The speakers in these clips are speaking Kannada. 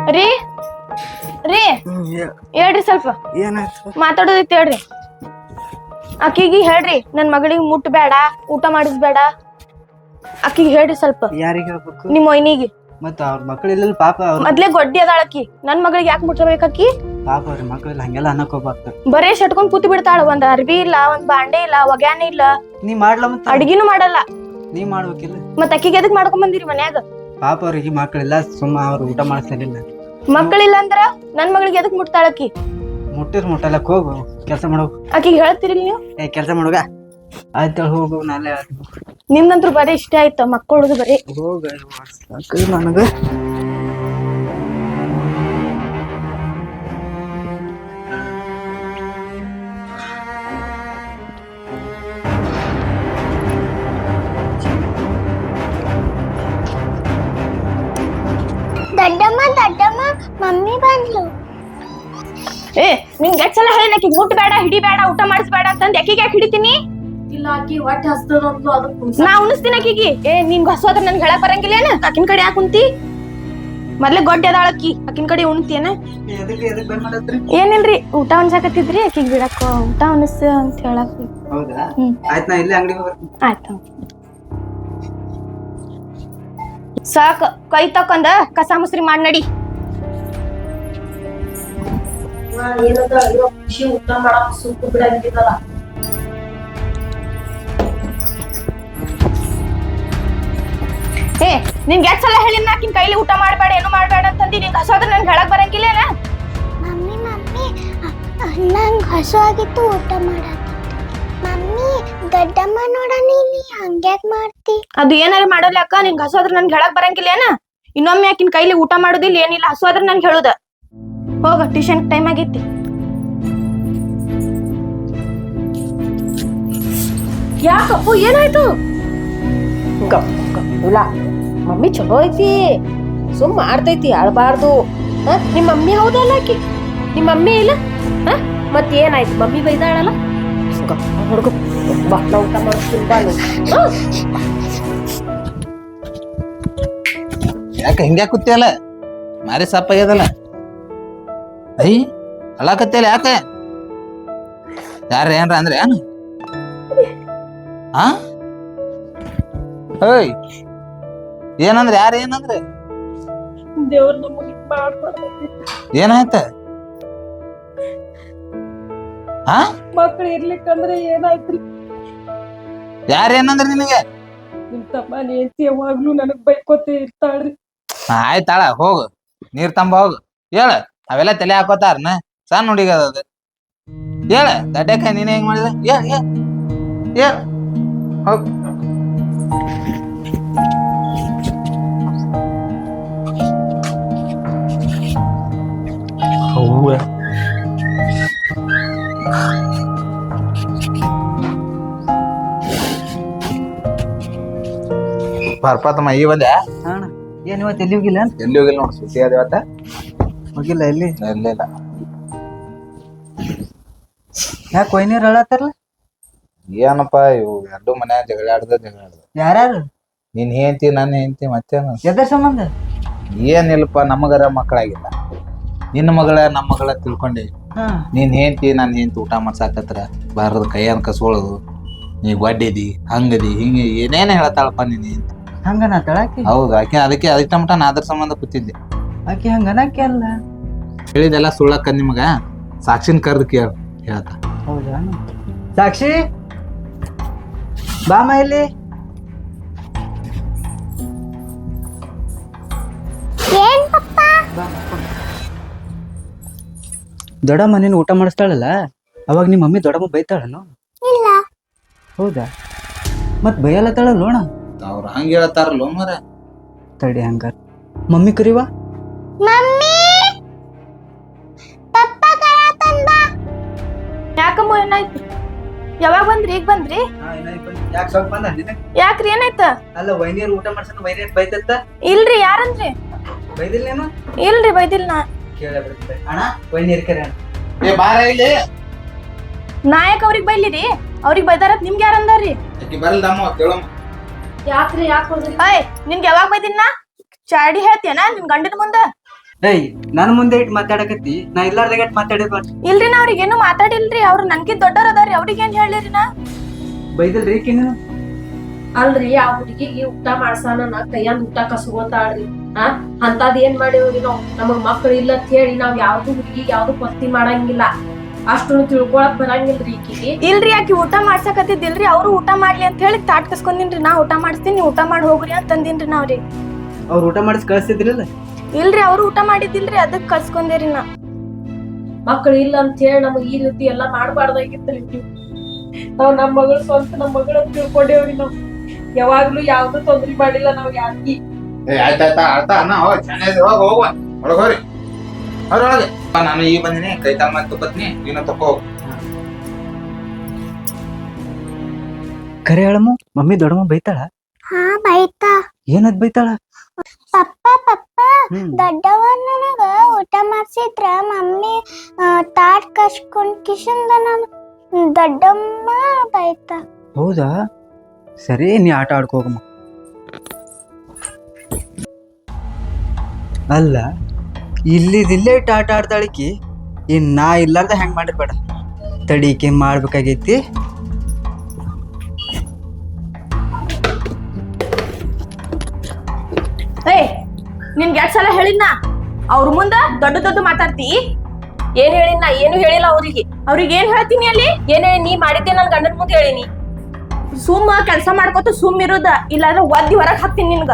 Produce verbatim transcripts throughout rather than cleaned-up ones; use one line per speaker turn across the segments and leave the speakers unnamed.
ರೀ ರೀ ಹೇಳ್ರಿ ಸ್ವಲ್ಪ
ಏನಾಯ್ತು?
ಮಾತಾಡೋದಿತ್ತು ಹೇಳ್ರಿ. ಅಕ್ಕಿಗೆ ಹೇಳ್ರಿ ನನ್ ಮಗಳಿಗೆ ಮುಟ್ಬೇಡ, ಊಟ ಮಾಡಿಸ್ಬೇಡ. ಅಕ್ಕಿಗೆ ಹೇಳ್ರಿ ಸ್ವಲ್ಪ.
ಯಾರಿಗೆ ಹೇಳ್ಬೇಕು?
ನಿಮ್ ಮೊಯ್ನಿಗೆ.
ಮತ್ತ ಅವ್ರ ಮಕ್ಳಿಲ್ಲ ಪಾಪ. ಅವ್ರ
ಮೊದ್ಲೇ ಗೊಡ್ಡಿ ಅದಾಳ ಅಕ್ಕಿ. ನನ್ ಮಗಳಿಗೆ ಯಾಕೆ ಮುಟ್ಬೇಕಕ್ಕಿ?
ಪಾಪ ಅವ್ರ ಮಕ್ಳಿಲ್ಲ, ಹಂಗೆಲ್ಲ ಅನ್ನಕ್ ಹೋಗ್ಬಾರ್ದು.
ಬರೇ ಶಟ್ಕೊಂಡ್ ಕೂತಿ ಬಿಡ್ತಾಳ. ಒಂದ್ ಅರ್ಬಿ ಇಲ್ಲ, ಒಂದ್ ಬಾಂಡೆ ಇಲ್ಲ, ಒಗ್ಯಾನೆ ಇಲ್ಲ.
ನೀ ಮಾಡ್ಲ ಮತ್ತ
ಅಡ್ಗಿನೂ ಮಾಡಲ್ಲ.
ನೀ ಮಾಡ್ಬೇಕಿಲ್ಲ.
ಮತ್ ಅಕ್ಕಿಗೆ ಎದಕ್ ಮಾಡ್ಕೊಂಡ್ ಬಂದಿರಿ ಮನ್ಯಾಗ?
ಪಾಪ ಅವ್ರಿಗೆ ಮಕ್ಳಿಲ್ಲ, ಸುಮ್ಮ ಅವ್ರ ಊಟ ಮಾಡಿಸ್ಲಿಲ್ಲ.
ಮಕ್ಕಳಿಲ್ಲ ಅಂದ್ರ ನನ್ ಮಗಳಿಗೆ ಎದಕ್ ಮುಟ್ತಾಳಕ್ಕಿ?
ಮುಟ್ಟಿರ್ ಮುಟ್ಟಲಕ್ ಹೋಗು, ಕೆಲ್ಸ ಮಾಡೋ.
ಅಕ್ಕಿಗೆ ಹೇಳ್ತೀರಿ ನೀವು?
ಏ ಕೆಲ್ಸ ಮಾಡೋಗ. ಆಯ್ತು ಹೋಗು, ನಾಳೆ
ನಿಮ್ದಂತ್ರು ಬರೀ ಇಷ್ಟ ಆಯ್ತು ಮಕ್ಕಳದು ಬರೀ.
ಹೋಗ ನನಗ.
ದೊಡ್ಡಮ್ಮ ದೊಡ್ಡಮ್ಮ ಮಮ್ಮಿ ಬಂದ್ಲು.
ಏ ನಿಂಗೆ ಎಷ್ಟ್ ಸಲ ಹೇಳಿ ಅಕ್ಕಿಗೆ ಮುಟ್ಬೇಡ, ಹಿಡಿಬೇಡ, ಊಟ ಮಾಡಿಸ್ಬೇಡ ಅಂತಂದ್ ಅಕ್ಕಿಗೆ ಯಾಕೆ ಹಿಡಿತೀನಿ?
ಇಲ್ಲ ಆಕಿ ಹೊಟ್ಟೆ ಹಸ್ತದ ಅಂದ್ಲು, ಅದಕ್ಕೆ
ನಾ ಉಣಿಸ್ತೀನಿ ಅಕ್ಕಿಗೆ. ಏ ನಿನ್ಗೆ ಹಸೋದ್ರ ನನ್ಗೆ ಹೇಳಕ್ ಬರಂಗಿಲ್ಲ ಏನ? ಅಕ್ಕಿನ ಕಡೆ ಯಾಕೆ ಕುಂತಿ? ಮೊದ್ಲೇ ಗೊಡ್ಡಿ ಅದಾಳ ಅಕ್ಕಿ, ಅಕ್ಕಿನ ಕಡೆ ಉಣ್ತಿಯೇನ? ಏನಿಲ್ರಿ, ಊಟ ಉಣ್ಸಾಕತ್ತಿದ್ರಿ ಅಕ್ಕಿಗೆ ಬಿಡಕ್ಕ ಊಟ ಉಣಿಸ್ ಅಂತ ಹೇಳಕ್.
ಹೌದಾ?
ಹ್ಮ್
ಆಯ್ತು, ನಾ ಇಲ್ಲೇ ಅಂಗಡಿ ಹೋಗ.
ಆಯ್ತು. ಸಾಕ ಕೈ ತಕೊಂಡ ಕಸ ಮುಸ್ರಿ ಮಾಡಿ ನಡಿ.
ಏನದ ಇರೋ ಖುಷಿ ಊಟ ಮಾಡಕ್ ಸುಟ್ಟು ಬಿಡಂಗಿದ್ದಲ್ಲ.
ಏ ನಿನ್ಗೆ ಎಷ್ಟ್ ಸಲ ಹೇಳಿನ ಆಕಿನ ಕೈಲಿ ಊಟ ಮಾಡ್ಬೇಡ, ಏನು ಮಾಡ್ಬೇಡ ಅಂತಂದಿ. ನಿಂಗೆ ಹಸೋದ್ರ ನನ್ಗೆ ಹೇಳಕ್ ಬರಂಗಿಲ್ಲ.
ಮಮ್ಮಿ ಮಮ್ಮಿ ನಂಗೆ ಹಸು ಆಗಿತ್ತು, ಊಟ ಮಾಡತ್ತಿತ್ತು. ಮಮ್ಮಿ ದೊಡ್ಡಮ್ಮ ನೋಡ, ನೀ ಹಂಗ್ಯಾಕ್ ಮಾಡ್ತಿ?
ಅದು ಏನಾರ ಮಾಡೋಲ್ಲ ಅಕ್ಕ, ನಿನ್ಗೆ ಹಸೋದ್ರ ನನ್ಗೆ ಹೇಳಕ್ ಬರಂಗಿಲ್ಲ ಏನ? ಇನ್ನೊಮ್ಮೆ ಆಕಿನ ಕೈಲಿ ಊಟ ಮಾಡೋದಿಲ್ಲ, ಏನಿಲ್ಲ. ಹಸೋದ್ರ ನನ್ಗೆ ಹೇಳುದ. ಹೋಗ, ಟ್ಯೂಷನ್ ಟೈಮ್ ಆಗೈತಿ. ಯಾಕಪ್ಪು ಏನಾಯ್ತು?
ಇಲ್ಲ ಮಮ್ಮಿ ಚಲೋ ಐತಿ, ಸುಮ್ ಮಾಡ್ತೈತಿ, ಅಳ್ಬಾರ್ದು. ನಿಮ್ ಮಮ್ಮಿ ಹೌದಲ್ಲ ಆಕಿ? ನಿಮ್ ಮಮ್ಮಿ ಇಲ್ಲ ಮತ್ ಏನಾಯ್ತು? ಮಮ್ಮಿ ಬೈದಾಳಲ್ಲ. ಹುಡುಗ ಬಾ, ನಾ ಊಟ ಮಾಡಿಸ್ತೀನಿ ಬಾ.
ಯಾಕೆ ಹಿಂಗ್ಯಾ ಕೂತಿಯಲ್ಲ? ಮಾರಿ ಸಪ್ಪ ಆಗ್ಯದಲ್ಲ. ಐ ಅಳಾಕತ್ತಿಯಲ್ಲ ಯಾಕೆ? ಯಾರ ಏನ್ರ ಅಂದ್ರೆ ಏನು? ಹಾ ಓಯ್ ಏನಂದ್ರೆ ಯಾರ ಏನಂದ್ರೆ?
ದೇವ್ರ ನಮಗೆ ಮಾಡ್ಬಾರ್ದು.
ಏನಾಯ್ತ? ಹಾ
ಮಕ್ಳು ಇರ್ಲಿಕ್ಕಂದ್ರೆ ಏನಾಯ್ತ್ರಿ?
ಯಾರ ಏನಂದ್ರೆ ನಿನಗೆ?
ನಿಮ್ ತಮ್ಮ ನೇಂತಿ ಯಾವಾಗ್ಲೂ ನನಗ್ ಬೈಕೋತಿ ಇರ್ತಾಳ್ರಿ.
ಆಯ್ತಾಳ, ಹೋಗು ನೀರ್ ತಂಬ ಹೋಗು. ಹೇಳ, ಅವೆಲ್ಲ ತಲೆ ಹಾಕೋತಾರನ? ಸಣ್ಣ ಹುಡುಗ ಅದು. ಹೇಳ ದಡ್ಡಕಾಯಿ ನೀನ್ ಹೆಂಗ್ ಮಾಡಿದ? ಹೇಳ ಹೇಳ ಹೇಳ ಹೋಗ್. ಹೌವ ಬರ್ಪಾತಮ್ಮ ಈ ಬಂದೆ.
ಅಣ್ಣ ಏನ್ ಇವತ್ತು ಎಲ್ಲಿ ಹೋಗಿಲ್ಲ?
ಎಲ್ಲಿ ಹೋಗಿಲ್ಲ ನೋಡಿ, ಸುದ್ದಿ ಅದ ಇವತ್ತ.
ಹೋಗಿಲ್ಲ ಎಲ್ಲಿ?
ಎಲ್ಲಿಲ್ಲ.
ಯಾಕೆ ಕೊಯ್ನೀರ್ ಹೇಳತ್ತಾರಲ್ಲ?
ಏನಪ್ಪ ಇವು ಎರಡು ಮನ್ಯಾಗ ಜಗಳ ಆಡ್ದ ಜಗಳ ಆಡ್ದ.
ಯಾರ್ಯಾರು?
ನೀನ್ ಹೆಂಡ್ತಿ ನನ್ನ ಹೆಂಡ್ತಿ ಮತ್ತೇನು?
ಎದ್ರ ಸಂಬಂಧ?
ಏನಿಲ್ಲಪ್ಪ, ನಮಗರ ಮಕ್ಕಳಾಗಿಲ್ಲ. ನಿನ್ನ ಮಗಳ ನಮ್ಮ ಮಗಳ ತಿಳ್ಕೊಂಡಿ.
ಹಾ
ನೀನ್ ಹೆಂಡ್ತಿ ನನ್ನ ಹೆಂಡ್ತಿ ಊಟ ಮಾಡ್ಸಾಕತ್ರ ಬಾರದ ಕೈಯನ್ ಕಸ್ಕೊಳ್ಳೋದು, ನೀ ಗೊಡ್ಡಿದಿ ಹಂಗದಿ ಹಿಂಗ ಏನೇನ ಹೇಳ್ತಾಳಪ್ಪ ನೀನ್ ಹೆಂಡ್ತಿ.
ಹಂಗನ ತಳಾಕಿ?
ಹೌದು, ಆಕೆ ಅದಕ್ಕೆ ಅದಕ್ಕೆ ಮಟ ನಾ ಅದ್ರ ಸಂಬಂಧ ಕೂತಿದ್ದೆ.
ಆಕಿ ಹಂಗನಕ್ಕೆ ಅಲ್ಲ
ಹೇಳಿದೆಲ್ಲ ಸುಳ್ಳಕ್ಕ. ನಿಮಗ ಸಾಕ್ಷಿನ ಕರ್ದು ಕೇಳ ಹೇಳ್ತ.
ಹೌದಾ? ಸಾಕ್ಷಿ ಬಾಮ ಇಲ್ಲಿ.
ಏನ್ ಪಪ್ಪ?
ದೊಡ್ಡಮ್ಮ ನೀನು ಊಟ ಮಾಡಿಸ್ತಾಳಲ್ಲ, ಅವಾಗ ನಿಮ್ಮ ಮಮ್ಮಿ ದೊಡ್ಡಮ್ಮ ಬೈತಾಳನು?
ಇಲ್ಲ.
ಹೌದಾ? ಮತ್ ಬೈಯಲ್ಲತ್ತಾಳ ಲೋಣ?
ಅವ್ರ ಹಂಗ ಹೇಳ್ತಾರಲ್ಲ ಮರ.
ತಡಿ ಹಂಗಾರ ಮಮ್ಮಿ ಕರಿವಾ.
ಮಮ್ಮಿ ಪಪ್ಪ ಕರಾತನ್ ಬಾ.
ಯಾಕಮ್ಮ ಏನಾಯ್ತು? ಯಾವಾಗ ಬಂದ್ರಿ? ಈಗ ಬಂದ್ರಿ?
ಯಾಕೆ ಸ್ವಲ್ಪ ಬಂದ ನಿನಗೆ?
ಯಾಕ್ರಿ ಏನಾಯ್ತ?
ಅಲ್ಲ ವೈನಿಯರ್ ಊಟ ಮಾಡ್ಸನ ವೈನಿಯರ್ ಬೈತತ್ತ.
ಇಲ್ರಿ, ಯಾರಂದ್ರಿ?
ಬೈದಿಲ್ಲೇನು?
ಇಲ್ರಿ ಬೈದಿಲ್ಲ. ನಾ
ಕೇಳ ಅಣ್ಣ ವೈನಿಯರ್ ಕರೆ ಅಣ್ಣ.
ಏ ಬಾರ ಇಲ್ಲಿ.
ನಾಯಕ್ ಅವ್ರಿಗೆ ಬೈಲಿರಿ? ಅವ್ರಿಗೆ ಬೈದಾರತ್ ನಿಮ್ಗೆ ಯಾರಂದಾರ್ರಿ?
ಆಕಿ ಬರಲ್ದಮ್ಮ ಕೇಳಮ್ಮ.
ಯಾಕ್ರಿ ಯಾಕೆ ಹೋದ್ರಿ?
ಅಯ್ ನಿನ್ಗೆ ಯಾವಾಗ ಬೈದಿನ? ಚಾಡಿ ಹೇಳ್ತೀಯನ ನಿನ್ ಗಂಡನ ಮುಂದ?
ಏಯ್ ನನ್ ಮುಂದೆ ಇಟ್ ಮಾತಾಡಕತ್ತಿ ನಾ ಇಲ್ಲಾರ್ದಾಗ ಇಟ್ ಮಾತಾಡಿದ್
ಇಲ್ರಿ ನಾ ಅವ್ರಿಗೇನು ಮಾತಾಡಿಲ್ರಿ ಅವ್ರು ನನ್ಗೆ ದೊಡ್ಡವ್ರ ಅದಾರಿ ಅವ್ರಿಗೇನ್ ಹೇಳಿರಿ ನಾ
ಬೈದಲ್ರಿ ಈಕಿನ
ಅಲ್ರಿ ಆ ಹುಡುಗಿಗೆ ಊಟ ಮಾಡ್ಸಾನ ನಾ ಕೈಯಂದ್ ಊಟ ಕಸ್ಕೊಂತಾಳ್ರಿ ಆ ಅಂತದ್ ಏನ್ ಮಾಡಿವ್ರಿ ನಾವ್ ನಮಗ್ ಮಕ್ಳು ಇಲ್ಲ ಅಂತ ಹೇಳಿ ನಾವ್ ಯಾವ್ದು ಹುಡುಗಿಗೆ ಯಾವ್ದು ಪಸ್ತಿ ಮಾಡಂಗಿಲ್ಲ ಅಷ್ಟು ತಿಳ್ಕೊಳಕ್ ಬರಂಗಿಲ್ರಿ ಈಕಿಗೆ.
ಇಲ್ರಿ ಆಕಿ ಊಟ ಮಾಡ್ಸಕತ್ತಿದ್ದಿಲ್ರಿ ಅವ್ರು ಊಟ ಮಾಡ್ಲಿ ಅಂತ ಹೇಳಿ ತಾಟ್ ಕಸ್ಕೊಂದಿನ್ರಿ ನಾ ಊಟ ಮಾಡಿಸ್ತೀನಿ ನೀವ್ ಊಟ ಮಾಡಿ ಹೋಗ್ರಿ ಅಂತ ಅಂದಿನ್ರಿ ನಾವ್ರಿ.
ಅವ್ರ ಊಟ ಮಾಡಿಸ್ ಕಳ್ಸಿದ್ರಿಲ್ಲ
ಇಲ್ರಿ ಅವ್ರು ಊಟ ಮಾಡಿದ್ದಿಲ್ರಿ ಅದಕ್ ಕಳ್ಸ್ಕೊಂದೇರಿ ನಾ.
ಮಕ್ಳು ಇಲ್ಲ ಅಂತ ಹೇಳಿ ನಮಗ್ ಈ ರೀತಿ ಎಲ್ಲಾ ಮಾಡ್ಬಾರ್ದಾಗಿತ್ರಿ ನಾವ್ ನಮ್ ಮಗಳು ಸ್ವಂತ ನಮ್ ಮಗಳ ತಿಳ್ಕೊಂಡೇವ್ರಿ ನಾವ್ ಯಾವಾಗ್ಲೂ ಯಾವ್ದು ತೊಂದ್ರೆ ಮಾಡಿಲ್ಲ ನಾವ್ ಯಾಕಿ.
ಏ ಆಯ್ತಾಯ್ತಾ ಅರ್ಥ ಅನ್ನ ಹೋಗ್ ಚೆನ್ನಾಗಿ ಹೋಗ ಹೋಗುವ ಒಳಗ್ ಹೋಗ್ರಿ ಅವ್ರೊಳಗೆ ನಾನು ಈಗ ಬಂದಿನಿ ಕೈ ತಮ್ಮ ತುಪ್ಪತ್ನಿ ನೀನು ತಕೋ ಹೋಗು.
ಖರೆ ಹೇಳಮ್ಮ ಮಮ್ಮಿ ದೊಡ್ಡಮ್ಮ ಬೈತಾಳ
ಹಾ ಬೈತಾ.
ಏನದ್ ಬೈತಾಳ
ಪಪ್ಪ ಪಪ್ಪ
ಹ್ಮ್
ದೊಡ್ಡವ ನನಗ ಊಟ ಮಾಡ್ಸಿದ್ರ ಮಮ್ಮಿ ತಾಟ್ ಕಸ್ಕೊಂಡ್ ಕಿಶನ್ದ ನಾನು ದೊಡ್ಡಮ್ಮ ಬೈತಾ.
ಹೌದಾ ಸರಿ ನೀ ಆಟ ಆಡ್ಕೋಗಮ್ಮ. ಅಲ್ಲ ಇಲ್ಲಿದಿಲ್ಲೇ ಇಟ್ಟು ಆಟ ಆಡ್ತಾಳಿಕಿ ಇನ್ ನಾ ಇಲ್ಲಾರ್ದ ಹೆಂಗ್ ಮಾಡಿರ್ಬೇಡ ತಡಿಕೆ ಮಾಡ್ಬೇಕಾಗೈತಿ.
ಏ ನಿನ್ಗೆ ಎರಡ್ ಸಲ ಹೇಳಿನ ಅವ್ರ ಮುಂದ ದೊಡ್ಡ ದೊಡ್ಡ ಮಾತಾಡ್ತಿ.
ಏನ್ ಹೇಳಿನ ನಾ ಏನು ಹೇಳಿಲ್ಲ ಅವ್ರಿಗೆ.
ಅವ್ರಿಗೆ ಏನ್ ಹೇಳ್ತೀನಿ ಅಲ್ಲಿ
ಏನ್ ಹೇಳಿ ನೀ ಮಾಡಿದ್ದೆ ನನ್ ಗಂಡನ ಮುಂದೆ ಹೇಳಿನಿ.
ಸುಮ್ಮ ಕೆಲ್ಸ ಮಾಡ್ಕೊತ ಸುಮ್ ಇರೋದ ಇಲ್ಲಾಂದ್ರೆ ಒದ್ದಿ ಹೊರಗ್ ಹಾಕ್ತೀನಿ ನಿನ್ಗ.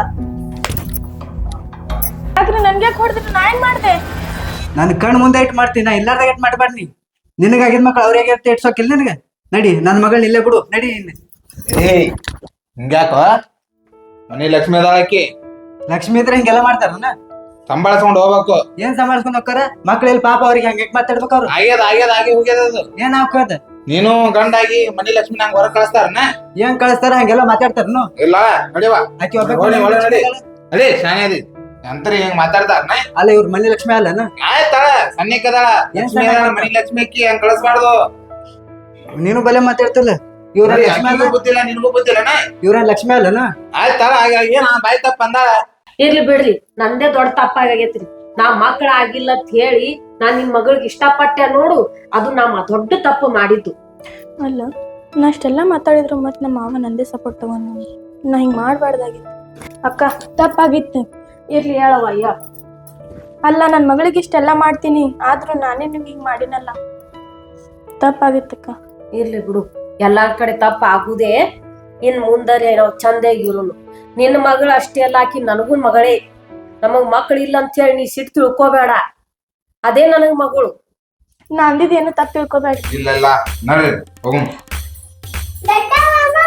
ಯಾಕ್ರಿ ನನ್ಗೆ ಹೊಡೆದ್ರಿ ನಾ ಏನ್ ಮಾಡ್ದೆ.
ನನ್ ಕಣ್ ಮುಂದೆ ಇಟ್ಟು ಮಾಡ್ತೀನಿ ನಾ ಇಲ್ಲಾರ್ದಾಗ ಇಟ್ಟು ಮಾಡ್ಬಾರ್ದು ನೀ. ನಿನಗಾಗಿದ್ ಮಕ್ಳು ಅವ್ರಿಗೆ ಇಟ್ಸೋಕಿಲ್ಲ ನಿನಗ. ನಡಿ ನನ್ ಮಗಳ್ ಇಲ್ಲೇ ಬಿಡು ನಡಿ.
ಏಯ್ ಹಿಂಗ್ಯಾಕೋ ಮನಿ ಲಕ್ಷ್ಮಿ ಅದಾಳಕಿ
ಲಕ್ಷ್ಮಿ ಇದ್ರೆ ಹಿಂಗೆಲ್ಲ ಮಾಡ್ತಾರನ
ಸಂಭಾಳಿಸ್ಕೊಂಡ್ ಹೋಗ್ಬೇಕು.
ಏನ್ ಸಂಭಾಳಿಸ್ಕೊಂಡ್ ಹೋಗ್ತಾರ ಮಕ್ಳೆಲ್ಲಿ ಪಾಪ ಅವ್ರಿಗೆ ಹಂಗೆ ಮಾತಾಡ್ಬೇಕು ಅವ್ರು.
ಆಗ್ಯದ ಆಗ್ಯದ ಆಗಿ ಹೋಗ್ಯದ ಅದು.
ಏನ್ ಹಾಕೋದ
ನೀನು ಗಂಡಾಗಿ ಮನಿ ಲಕ್ಷ್ಮಿ ನಂಗೆ ಹೊರಗ್ ಕಳಿಸ್ತಾರನ
ಏನ್ ಕಳಿಸ್ತಾರ ಹಂಗೆಲ್ಲ ಮಾತಾಡ್ತಾರನು.
ಇಲ್ಲ ನಡಿವಾ
ಆಕಿ
ಒಳಗ್ ನಡಿ ನಡಿ ಶಾನೆ ಅದಿ ಅಂತರಿ ಹಿಂಗ್ ಮಾತಾಡ್ತಾರನ.
ಅಲ್ಲ ಇವ್ರ ಮನಿ ಲಕ್ಷ್ಮಿ ಅಲ್ಲನ.
ಆಯ್ತಾಳ ಸನ್ನಿಕದಾಳ ಲಕ್ಷ್ಮಿ ಅದಾಳ ಮನಿ ಲಕ್ಷ್ಮಿ ಅಕ್ಕಿ ಹಂಗ್ ಕಳಿಸ್ಬಾರ್ದು.
ನೀನು ಬಲೆ ಮಾತಾಡ್ತಿಲ್ಲ. ಇವ್ರ ಲಕ್ಷ್ಮಿ ಅಲ್ಲ
ಗೊತ್ತಿಲ್ಲ ನಿನ್ಗೂ ಗೊತ್ತಿಲ್ಲನ.
ಇವ್ರ ಲಕ್ಷ್ಮಿ ಅಲ್ಲನ.
ಆಯ್ತಾಳ ಏನ ಬಾಯ್ ತಪ್ಪ ಅಂದಾಳ.
ಇರ್ಲಿ ಬಿಡ್ರಿ ನಂದೇ ದೊಡ್ಡ ತಪ್ಪಾಗೈತ್ರಿ. ನಾ ಮಕ್ಳ ಆಗಿಲ್ಲ ಅಂತ ಹೇಳಿ ನಾನ್ ನಿಮ್ ಮಗಳಿಗೆ ಇಷ್ಟಪಟ್ಟೆ ನೋಡು ಅದು ನಾ ದೊಡ್ಡ ತಪ್ಪು ಮಾಡಿದ್ದು.
ಅಲ್ಲ ನಾ ಅಷ್ಟೆಲ್ಲ ಮಾತಾಡಿದ್ರು ಮತ್ ನಮ್ಮ ಮಾವ ನಂದೇ ಸಪೋರ್ಟ್ ತಗೊಂಡ್ ನಾ ಹಿಂಗ್ ಮಾಡ್ಬಾರ್ದಾಗಿತ್ತು. ಅಕ್ಕ ತಪ್ಪಾಗಿತ್ತು.
ಇರ್ಲಿ ಹೇಳವ ಅಯ್ಯ.
ಅಲ್ಲ ನನ್ ಮಗಳಿಗೆ ಇಷ್ಟೆಲ್ಲ ಮಾಡ್ತೀನಿ ಆದ್ರೂ ನಾನೇ ನಿಮ್ಗೆ ಹಿಂಗ್ ಮಾಡಿನಲ್ಲ ತಪ್ಪಾಗಿತ್ತಕ್ಕ.
ಇರ್ಲಿ ಬಿಡು ಎಲ್ಲಾರ್ ಕಡೆ ತಪ್ಪ ಆಗುದೇ. ಇನ್ ಮುಂದರೆ ನಾವು ಚಂದಾಗಿರೋನು. ನಿನ್ನ ಮಗಳು ಅಷ್ಟೇ ಅಲ್ಲ ಆಕಿ ನನಗೂ ಮಗಳೇ. ನಮಗ್ ಮಕ್ಳು ಇಲ್ಲ ಅಂತ ಹೇಳಿ ನೀ ಸಿಟ್ಟು ತಿಳ್ಕೊಬೇಡ. ಅದೇ ನನಗ್ ಮಗಳು.
ನಾ ಅಂದಿದ್ದೇನು ತಪ್ಪು ತಿಳ್ಕೊಬೇಡಿ.
ಇಲ್ಲ ಇಲ್ಲ ನಡ್ರಿ ಹೋಗು.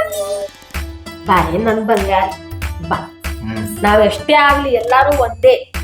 ಬಾರೆ ನನ್ ಬಂಗಾರ ಬಾ. ನಾವ್ ಎಷ್ಟೇ ಆಗ್ಲಿ ಎಲ್ಲಾರು ಒಂದೇ.